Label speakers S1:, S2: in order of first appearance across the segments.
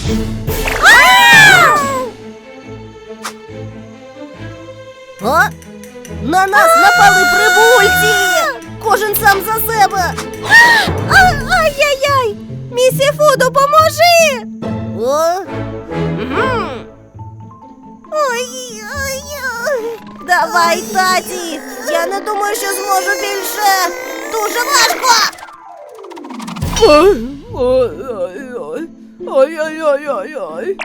S1: А? На нас напали прибульці! Кожен сам за себе!
S2: Ай-яй-яй! Місіфу, допоможи!
S1: О?
S2: Ой-ой-ой!
S1: Давай, таті! Я не думаю, що зможу більше! Дуже важко!
S3: Ой-ой-ой-ой-ой.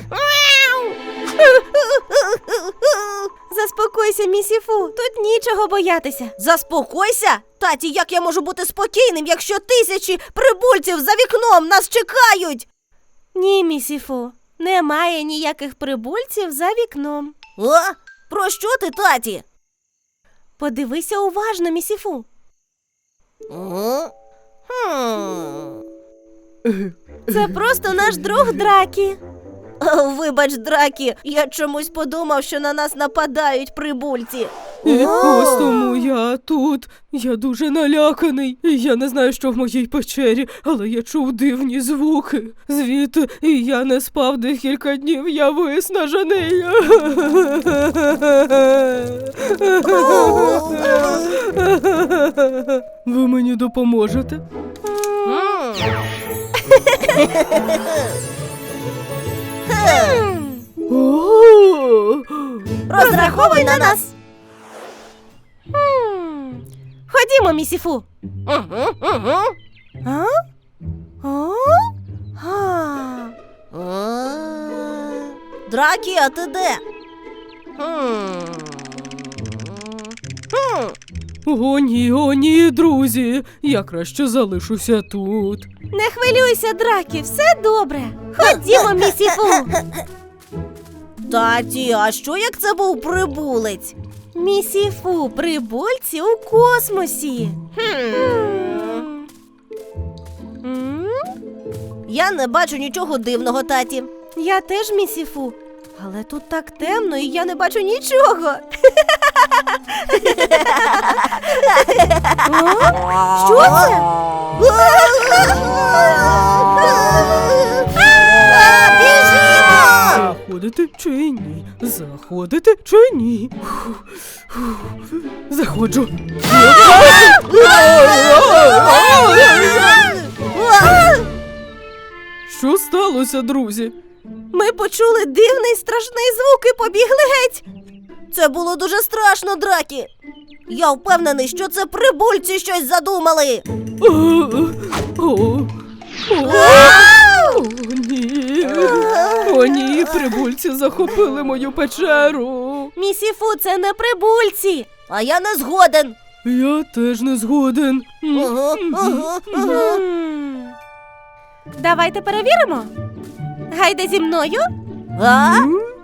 S2: Заспокойся, місіфу, тут нічого боятися.
S1: Заспокойся! Таті, як я можу бути спокійним, якщо тисячі прибульців за вікном нас чекають?
S2: Ні, місіфу, немає ніяких прибульців за вікном.
S1: О? Про що ти, таті?
S2: Подивися уважно, місіфу.
S1: О?
S2: Це просто наш друг Дракі.
S1: Вибач, Дракі, я чомусь подумав, що на нас нападають прибульці.
S3: І ось тому я тут. Я дуже наляканий. Я не знаю, що в моїй печері, але я чув дивні звуки. Звідти і я не спав декілька днів, я виснажений. Ви мені допоможете? О!
S1: Розраховуй на нас!
S2: Ходімо, місіфу.
S1: Угу.
S2: А? О? А.
S1: Дракі, а ти де?
S3: О ні, друзі, я краще залишуся тут.
S2: Не хвилюйся, Дракі, все добре. Ходімо, місіфу.
S1: Таті, а що як це був прибулець?
S2: Місіфу, прибульці у космосі. М?
S1: Я не бачу нічого дивного, таті.
S2: Я теж, місіфу. Але тут так темно, і я не бачу нічого. О? Що це?
S1: Біжимо!
S3: Заходити чи ні? Заходити чи ні? Заходжу. Що сталося, друзі?
S2: Ми почули дивний страшний звук і побігли геть.
S1: Це було дуже страшно, Дракі. Я впевнений, що це прибульці щось задумали.
S3: Ні. О, ні, прибульці захопили мою печеру.
S2: Місіфу, це не прибульці.
S1: А я не згоден.
S3: Я теж не згоден.
S2: Давайте перевіримо. Гайде зі мною.
S1: А?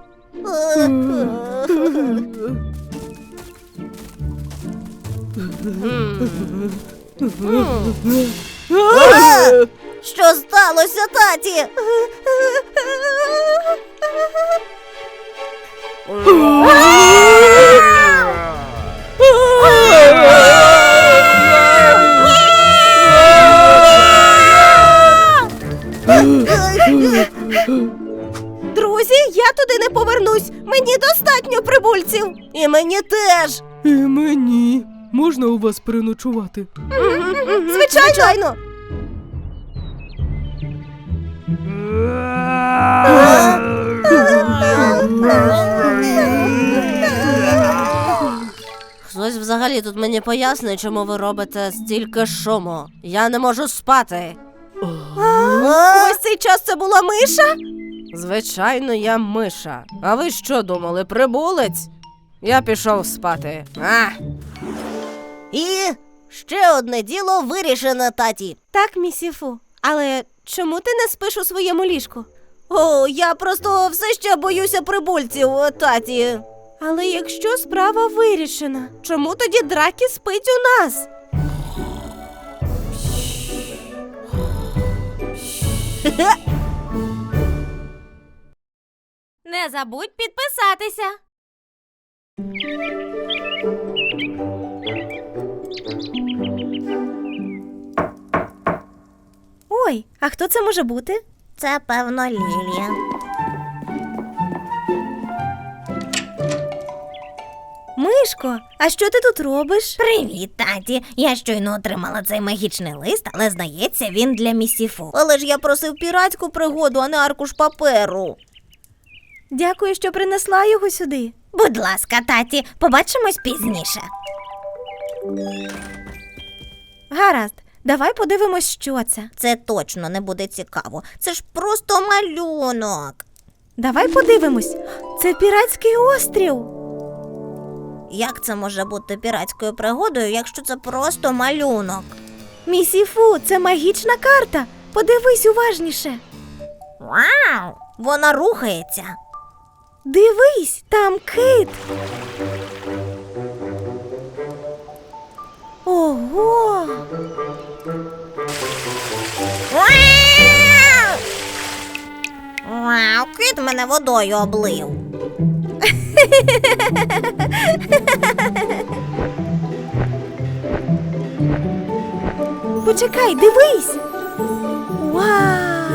S1: Що сталося, таті?
S2: Друзі, я туди не повернусь. Мені достатньо прибульців.
S1: І мені теж.
S3: І мені. Можна у вас переночувати?
S2: Звичайно.
S1: Хтось взагалі тут мені пояснить, чому ви робите стільки шуму. Я не можу спати.
S2: Ось цей час це була миша?
S1: Звичайно, я миша. А ви що думали, прибулець? Я пішов спати. І ще одне діло вирішено, таті.
S2: Так, місіфу. Але чому ти не спиш у своєму ліжку?
S1: О, я просто все ще боюся прибульців, таті.
S2: Але якщо справа вирішена, чому тоді Дракі спить у нас? Не забудь підписатися. Ой, а хто це може бути?
S4: Це, певно, Лілія.
S2: Мишко, а що ти тут робиш?
S4: Привіт, таті. Я щойно отримала цей магічний лист, але, здається, він для місіфу. Але ж я просив піратську пригоду, а не аркуш паперу.
S2: Дякую, що принесла його сюди.
S4: Будь ласка, таті, побачимось пізніше.
S2: Гаразд, давай подивимось, що це.
S4: Це точно не буде цікаво. Це ж просто малюнок.
S2: Давай подивимось. Це піратський острів.
S4: Як це може бути піратською пригодою, якщо це просто малюнок?
S2: Місіфу, це магічна карта. Подивись уважніше.
S4: Вау! Вона рухається.
S2: Дивись, там кит. Ого!
S4: Вау, кит мене водою облив.
S2: Почекай, дивись. Вау!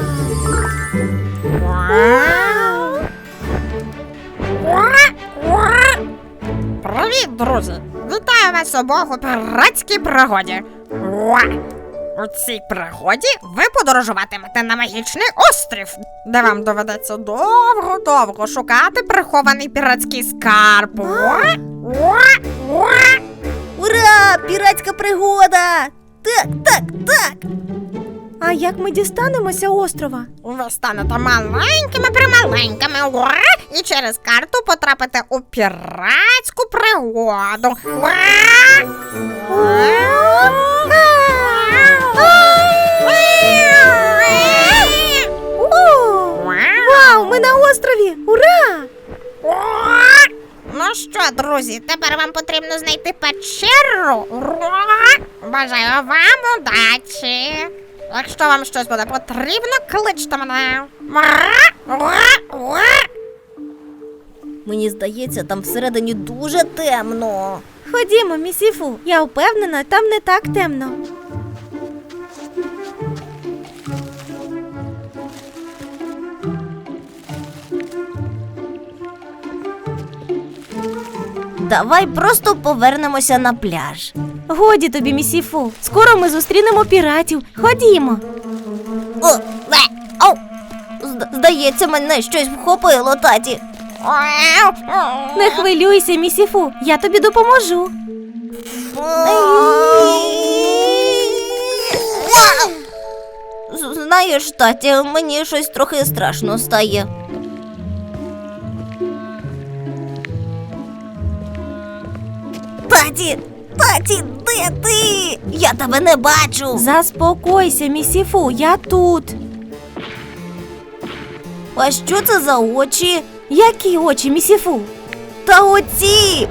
S5: Привіт, друзі! Вітаю вас обох у піратській пригоді. У цій пригоді ви подорожуватимете на магічний острів, де вам доведеться довго-довго шукати прихований піратський скарб.
S4: Ура! Піратська пригода! Так, так, так!
S2: А як ми дістанемося острова?
S5: Ви станете маленькими-прималенькими, і через карту потрапите у піратську пригоду.
S2: Вау, ми на острові! Ура!
S5: Ну що, друзі, тепер вам потрібно знайти печеру. Бажаю вам удачі. Якщо вам щось буде потрібно, кличте мене.
S4: Мені здається, там всередині дуже темно.
S2: Ходімо, місіфу. Я впевнена, там не так темно.
S4: Давай просто повернемося на пляж.
S2: Годі тобі, місіфу. Скоро ми зустрінемо піратів. Ходімо.
S4: Ау! Здається, мене щось вхопило, таті.
S2: Не хвилюйся, місіфу. Я тобі допоможу.
S4: Знаєш, таті, мені щось трохи страшно стає. Таті, де ти? Я тебе не бачу.
S2: Заспокойся, місіфу. Я тут.
S4: А що це за очі?
S2: Які очі, місіфу?
S4: Та оці!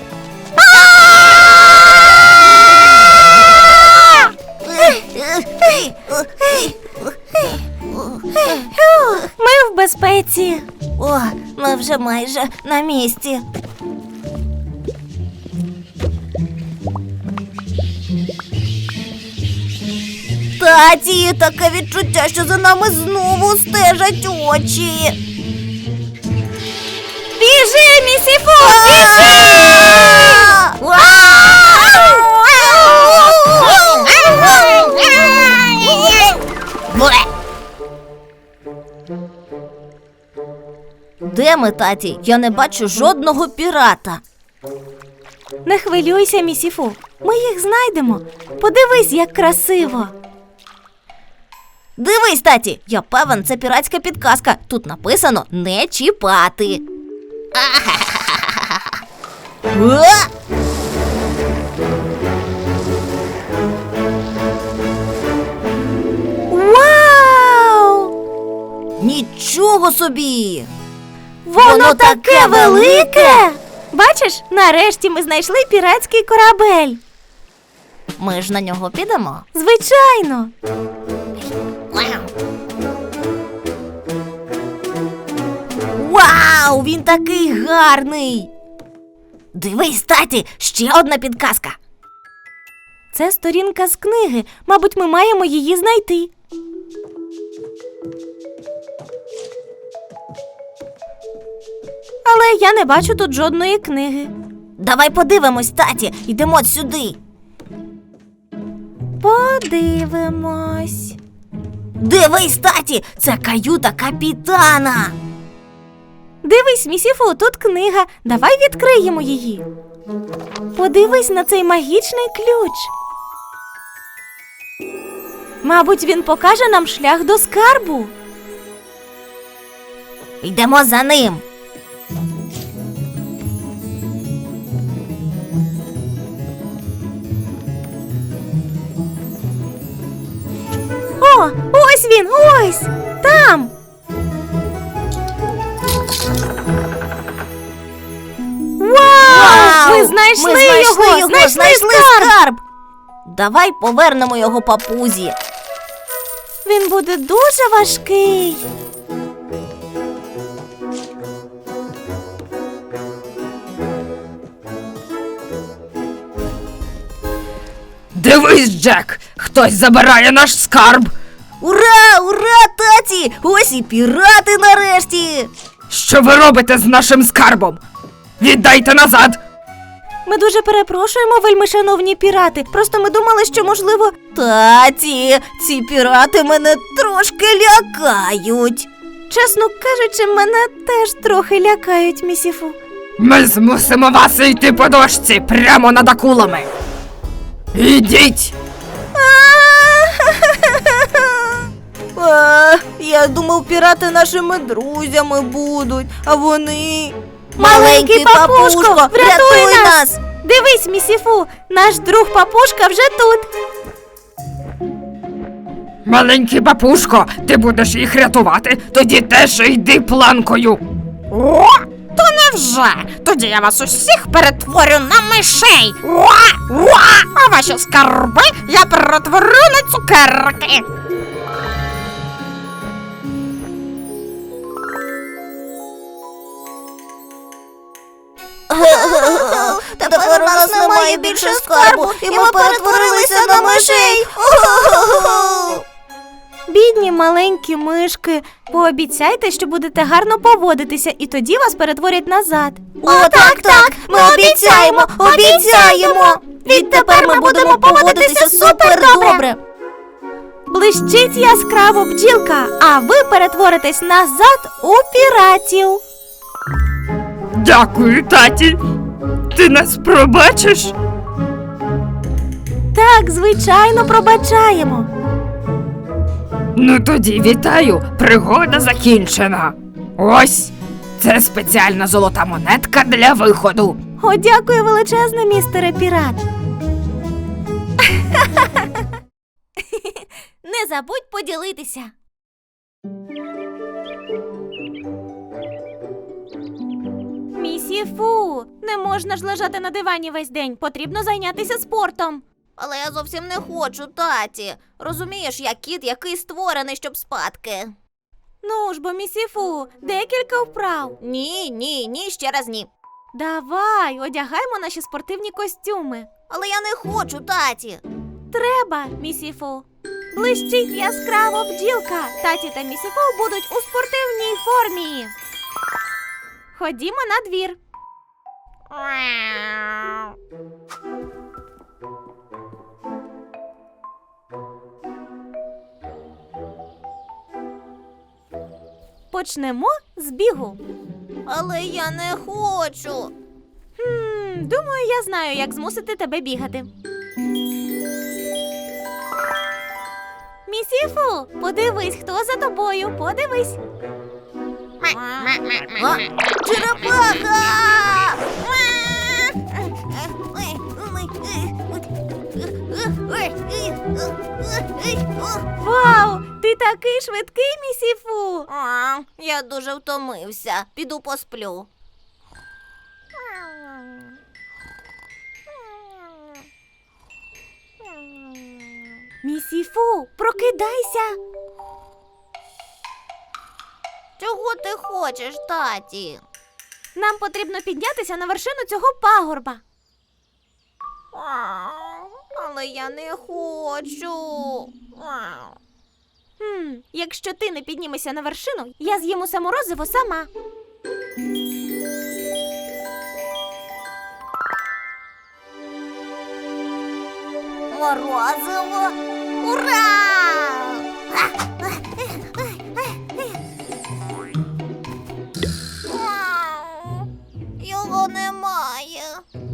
S2: Ми в безпеці.
S4: О, ми вже майже на місці. Таті, таке відчуття, що за нами знову стежать очі.
S2: Біжи, місіфу!
S4: Де ми, таті? Я не бачу жодного пірата.
S2: Не хвилюйся, місіфу. Ми їх знайдемо. Подивись, як красиво.
S4: Дивись, таті, я певен, це піратська підказка. Тут написано «не чіпати».
S2: Вау!
S4: Нічого собі!
S2: Воно таке велике! Бачиш, нарешті ми знайшли піратський корабель.
S4: Ми ж на нього підемо?
S2: Звичайно.
S4: Вау, він такий гарний! Дивись, таті, ще одна підказка.
S2: Це сторінка з книги. Мабуть, ми маємо її знайти. Але я не бачу тут жодної книги.
S4: Давай подивимось, таті, йдемо сюди.
S2: Подивимось.
S4: Дивись, таті, це каюта капітана.
S2: Дивись, місіфу, тут книга. Давай відкриємо її. Подивись на цей магічний ключ. Мабуть, він покаже нам шлях до скарбу.
S4: Йдемо за ним.
S2: О, ось він, ось! Там! Вау! Ми знайшли його! Знайшли скарб!
S4: Давай повернемо його папузі.
S2: Він буде дуже важкий.
S3: Дивись, Джек, хтось забирає наш скарб.
S4: Ура, ура, таті! Ось і пірати нарешті!
S3: Що ви робите з нашим скарбом? Віддайте назад!
S2: Ми дуже перепрошуємо, вельмишановні пірати. Просто ми думали, що, можливо...
S4: Таті, ці пірати мене трошки лякають.
S2: Чесно кажучи, мене теж трохи лякають, місіфу.
S3: Ми змусимо вас йти по дошці прямо над акулами. Ідіть!
S4: Я думав, пірати нашими друзями будуть, а вони...
S2: Маленький папушко, врятуй нас! Дивись, місіфу, наш друг папушка вже тут.
S3: Маленький папушко, ти будеш їх рятувати, тоді теж йди планкою.
S5: О, то невже? Тоді я вас усіх перетворю на мишей. А ваші скарби я перетворю на цукерки.
S4: Тепер у нас немає більше скарбу, і ми перетворилися на мишей.
S2: Бідні маленькі мишки, пообіцяйте, що будете гарно поводитися, і тоді вас перетворять назад.
S4: О, так, ми обіцяємо, обіцяємо. Відтепер ми будемо поводитися супер добре.
S2: Блищить яскраво бджілка, а ви перетворитесь назад у піратів.
S3: Дякую, таті. Ти нас пробачиш?
S2: Так, звичайно, пробачаємо.
S3: Ну тоді вітаю, пригода закінчена. Ось, це спеціальна золота монетка для виходу.
S2: О, дякую величезне, містере пірат.
S4: Не забудь поділитися.
S2: Місіфу, не можна ж лежати на дивані весь день, потрібно зайнятися спортом.
S4: Але я зовсім не хочу, таті. Розумієш, я кіт, який створений, щоб спадки.
S2: Ну ж бо, місіфу, декілька вправ.
S4: Ні, ще раз ні.
S2: Давай, одягаймо наші спортивні костюми.
S4: Але я не хочу, таті.
S2: Треба, місіфу. Блищить яскраво бджілка. Таті та місіфу будуть у спортивній формі. Ходімо на двір. Почнемо з бігу.
S4: Але я не хочу.
S2: Думаю, я знаю, як змусити тебе бігати. Місіфу, подивись, хто за тобою, подивись.
S4: Черепаха!
S2: Вау, ти такий швидкий, місіфу.
S4: Я дуже втомився. Піду посплю.
S2: Місіфу, прокидайся.
S4: Чого ти хочеш, таті?
S2: Нам потрібно піднятися на вершину цього пагорба.
S4: Але я не хочу.
S2: Якщо ти не піднімешся на вершину, я з'їм усе морозиво сама.
S4: Морозиво! Ура! Його немає.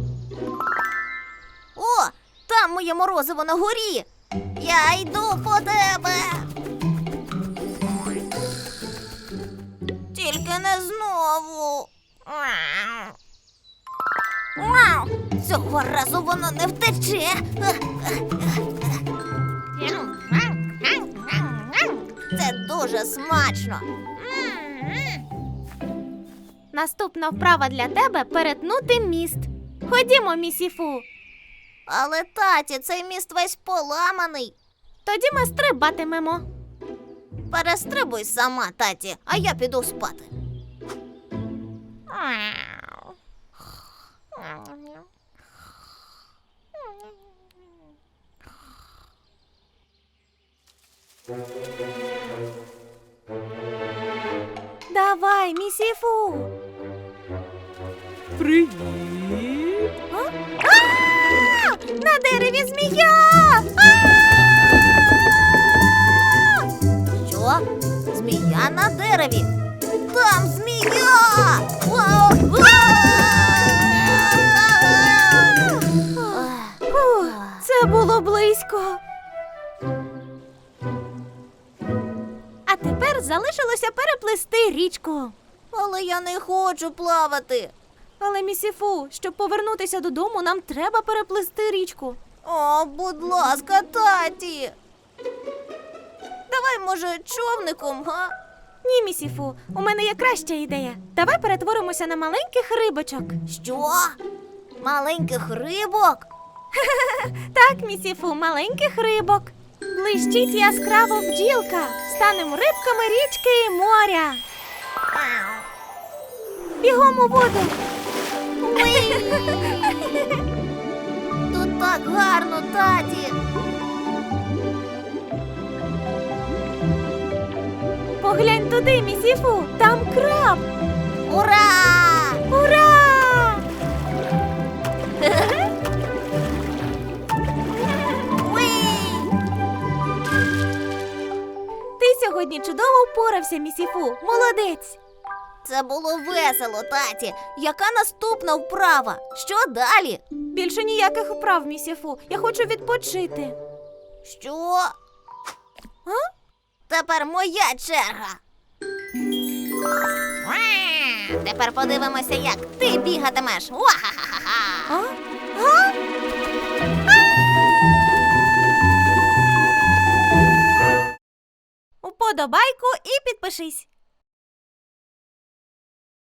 S4: О, там моє морозиво на горі. Я йду по тебе. Тільки не знову. Цього разу воно не втече. Це дуже смачно.
S2: Наступна вправа для тебе перетнути міст. Ходімо, місіфу.
S4: Але, таті, цей міст весь поламаний.
S2: Тоді ми стрибатимемо.
S4: Перестрибуй сама, таті, а я піду спати.
S2: Давай, місіфу.
S3: Привіт.
S2: На дереві змія!
S4: Що? Змія на дереві? Там змія!
S2: Фух, це було близько. А тепер залишилося переплисти річку.
S4: Але я не хочу плавати.
S2: Але, місіфу, щоб повернутися додому, нам треба переплисти річку.
S4: О, будь ласка, таті. Давай, може, човником, га?
S2: Ні, місіфу, у мене є краща ідея. Давай перетворимося на маленьких рибочок.
S4: Що? Маленьких рибок?
S2: Так, місіфу, маленьких рибок. Блищить яскраво бджілка. Станемо рибками річки і моря. Бігом у воду.
S4: Тут так гарно, таті.
S2: Поглянь туди, місіфу, там краб.
S4: Ура!
S2: Ура! Ти сьогодні чудово впорався, місіфу. Молодець.
S4: Це було весело, таті. Яка наступна вправа? Що далі?
S2: Більше ніяких вправ, місіфу. Я хочу відпочити.
S4: Що? Тепер моя черга. Тепер подивимося, як ти бігатимеш. Уа-ха-ха-ха!
S2: А? А? Уподобайку і підпишись.